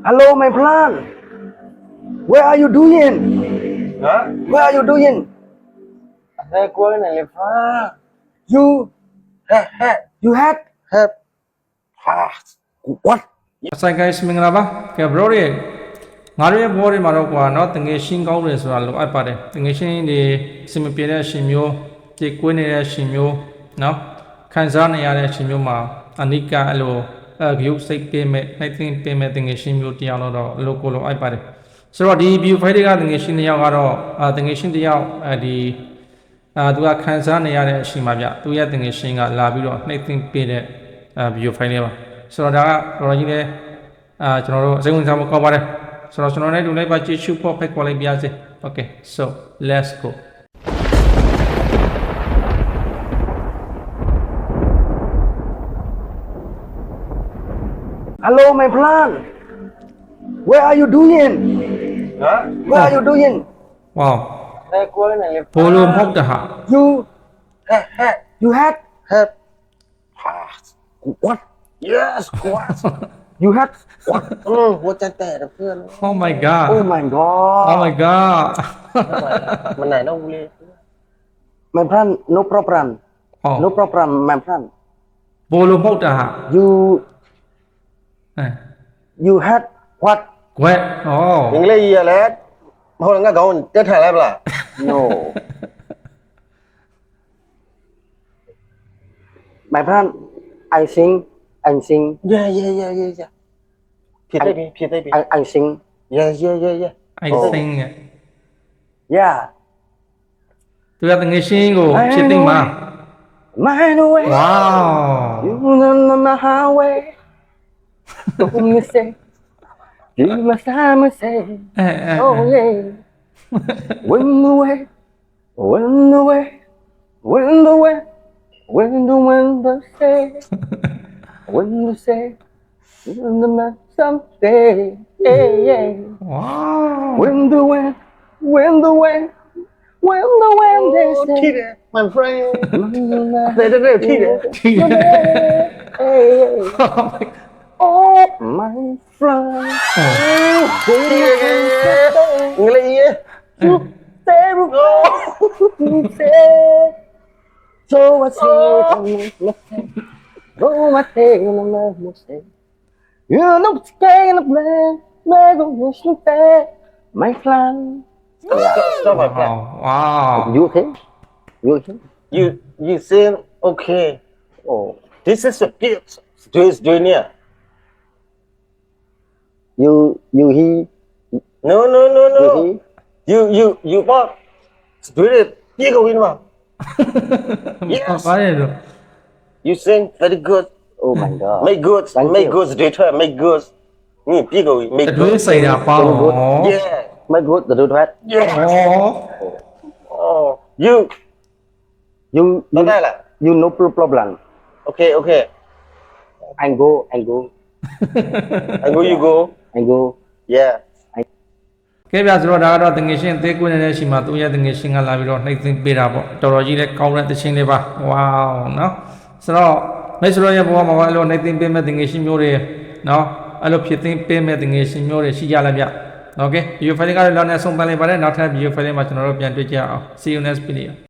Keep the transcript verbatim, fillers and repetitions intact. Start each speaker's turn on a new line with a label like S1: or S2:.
S1: Hello, my plan. Where are you doing?
S2: Hả?
S1: Where are you doing?
S2: Thế cuối này là phá.
S1: You,
S2: He he
S1: you had
S2: he.
S1: ah, what?
S3: Hi guys မင်္ဂလာပါကဲ bro တွေငါတို့ရဲ့ဘောတွေမှာတော့ကွာเนาะတငယ်ရှင်းကောင်းတယ်ဆိုတာလိုအပ်ပါတယ်တငယ်ရှင်းတွေစင်မပြေတဲ့ရှင်မျိုးကြေကွေးနေတဲ့ရှင်မျိုးเนาะခံစားနေရတဲ့ရှင်မျိုးမှာအနိကအဲ့လိုအဂယုစိတ်ပေးမဲ့နှိုက်သိမ့်ပေးမဲ့တငယ်ရှင်းမျိုးတရားလို့တော့အလိုကိုလိုအပ်ပါတယ်ဆိုတော့ဒီ view file တွေကတငယ်ရှင်းတစ်ယောက်ကတော့တငယ်ရှင်းတစ်ယောက်အဲဒီအာသူကခံစားနေရတဲ့အရှင်မှာဗျသူရဲ့တငယ်ရှင်းကလာပြီးတော့နှိုက်သိမ့်ပေးတဲ့ view file လေးပါဆိုတော့ဒါကတော်ကြီးလည်းအာကျွန်တော်တို့အစိမ်းဝင်စားဖို့ကောင်းပါတယ်ဆိုတော့ကျွန်တော်လည်းဒီလိုက်ပါကြည့်ရှုဖို့ဖိတ်ခေါ်လိုက်ပါရစေ Okay so let's go
S1: Hello, my plan. Where are you doing?
S2: Hả?
S1: Where are you doing?
S3: wow
S2: Thế cuối này là
S3: ဘိုးလိုမဟုတ်တာဟာ
S1: You,
S2: he he
S1: you had
S2: he.
S1: ah, what?
S2: Yes, what?
S1: You had what?
S2: อืมหัวใจแตกนะเพื่อน
S3: oh my god
S1: Oh my god.
S3: oh my god
S2: มันไหนต้องเลย
S1: My plan, no problem.
S3: ဟော
S1: No problem, my plan.
S3: ဘိုးလိုမဟုတ်တာဟာ
S1: You,
S3: အဲ
S1: you had what?
S3: ကွက်ဩ
S2: အင်္ဂလိပ်ကြီးရလဲမဟုတ်ငါကောင်းတက်ထိုင်လိုက်ပလား
S1: No. My plan, I sing, I sing,
S2: Yeah yeah yeah yeah yeah ဖြစ်သိပြီဖြစ်သိပြီ
S1: I, I sing.
S2: Yeah yeah yeah yeah
S3: I think
S1: Yeah.
S3: သူကတငယ်ရှင်းကိုဖြစ်သိမှာ
S1: Mine away.
S3: wow
S1: You know my highway. Don't you say? You must have me say.
S3: အဲအဲ
S1: Oh yeah. Wind away. Wind away. Wind away. Wind the wind the say. Wind the say. Wind the man someday. Yeah yeah.
S3: wow
S1: Wind the wind. Wind the wind. Wind the wind they
S2: ထိ
S1: say.
S2: တယ် my friend
S1: 对对对，屁的。
S3: ထိတယ်
S1: Oh my friend.
S2: အင်္ဂလိပ်ကြီး
S1: You say you say. So I say Go my thing and my mistake. You know scared and play. Never wish you back. My friend.
S2: stop my friend
S3: wow wow
S1: You okay? You okay?
S2: you you say okay
S1: Oh.
S2: this is a gift to his junior
S1: You you he
S2: no no no
S1: you
S2: no
S1: he.
S2: you you you bought spirit ပြေကုန်ပြီနော် Yes.
S3: ဘာလဲလို့
S2: you sing very good
S1: Oh my god.
S2: make good
S1: Thank
S2: make
S1: you.
S2: good later make good นี่ပြေကုန်ပြီ make
S3: အတွေး
S2: good
S3: စိတ်တာပေါင်းဩ
S2: yeah
S1: My good the do that.
S2: yeah
S3: ဩ
S2: oh you
S1: You
S2: တော့
S1: you
S2: ได้လား
S1: you no problem.
S2: okay okay
S1: I go I go
S2: I go you go
S1: I go.
S2: yeah
S3: ကဲဗျာဆိုတော့ဒါကတော့တငယ်ရှင်သေးကွင်းနေတဲ့ရှိမှာသူရဲ့တငယ်ရှင်ကလာပြီးတော့နှိမ့်သိမ့်ပေးတာပေါ့တော်တော်ကြီးလည်းကောင်းတဲ့တခြင်းလေးပါဝေါเนาะဆိုတော့မိတ်ဆွေရဲ့ဘဝမှာအဲ့လိုနှိမ့်သိမ့်ပေးမဲ့တငယ်ရှင်မျိုးတွေเนาะအဲ့လိုဖြစ်သိမ့်ပေးမဲ့တငယ်ရှင်မျိုးတွေရှိကြလားဗျโอเค video file ကတော့လောက်နေဆုံးပန်းလိုက်ပါတယ်နောက်ထပ် video file မှာကျွန်တော်တို့ပြန်တွေ့ကြအောင် see you next video